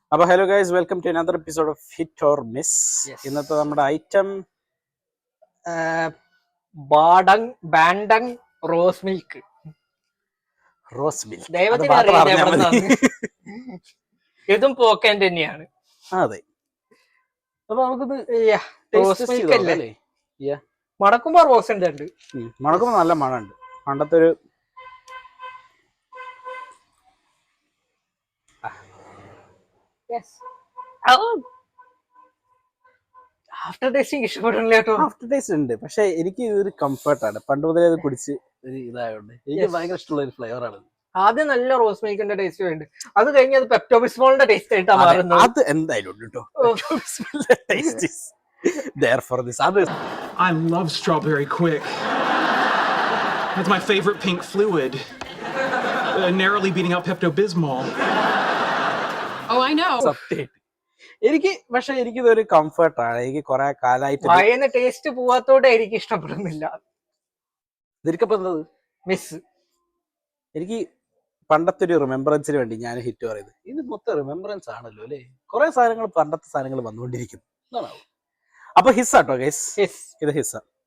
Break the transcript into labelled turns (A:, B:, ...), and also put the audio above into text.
A: അപ്പോൾ hello guys, welcome to another episode of hit or miss. ഇന്നത്തെ നമ്മുടെ item
B: Bandung rose milk.
A: Rose milk.
B: ദൈവത്തിന് അറിയാം എവിടെന്നാണ്. ഇതും പോക്കൻ തന്നെയാണ്.
A: അതെ. അപ്പൊ നമുക്കിത്
B: റോസ് മിൽക്ക് അല്ലേ? മണക്കുമ്പോ റോസ് ഉണ്ട്.
A: മണക്കുമ്പോ നല്ല മണമുണ്ട്. പണ്ടത്തെ ഒരു
B: ആഫ്റ്റർ ടേസ്റ്റിംഗ് ഇഷ്ടപ്പെടില്ല കേട്ടോ.
A: ആഫ്റ്റർ ടേസ്റ്റ് ഉണ്ട്, പക്ഷെ എനിക്ക് ഇതൊരു കംഫർട്ടാണ്. പണ്ട് മുതലേ അത് കുടിച്ച് ഒരു ഇതായോണ്ട് എനിക്ക് ഭയങ്കര ഇഷ്ടമുള്ള ഒരു ഫ്ലേവർ ആണ്.
B: ആദ്യം നല്ല റോസ് മിൽക്കിന്റെ ടേസ്റ്റ് ഉണ്ട്, അത് കഴിഞ്ഞ് അത് പെപ്റ്റോബിസ്മോളിന്റെ ടേസ്റ്റ് ആയിട്ടാണ് മാറുന്നത്.
A: അത് എന്തായാലും ഉണ്ട് കേട്ടോ. Therefore, this other.
C: I love strawberry quick. That's my favorite pink fluid. Narrowly beating out Pepto-Bismol.
D: Oh, I know.
A: എനിക്കിതൊരു കംഫർട്ടാണ്. എനിക്ക് കുറെ കാലമായിട്ട്
B: വായന ടേസ്റ്റ് പോവാത്തോടെ എനിക്ക് ഇഷ്ടപ്പെടുന്നില്ല. മിസ്
A: എനിക്ക് പണ്ടത്തെ ഒരു റിമെമ്പറൻസിന് വേണ്ടി ഞാൻ ഹിറ്റ് പറയുന്നത്. ഇത് മൊത്തം റിമെമ്പറൻസ് ആണല്ലോ അല്ലേ? കുറെ സാധനങ്ങൾ, പണ്ടത്തെ സാധനങ്ങൾ വന്നുകൊണ്ടിരിക്കുന്നു. അപ്പൊ ഹിസ്സാട്ടോ ഗൈസ്, ഇത് ഹിസ്സ.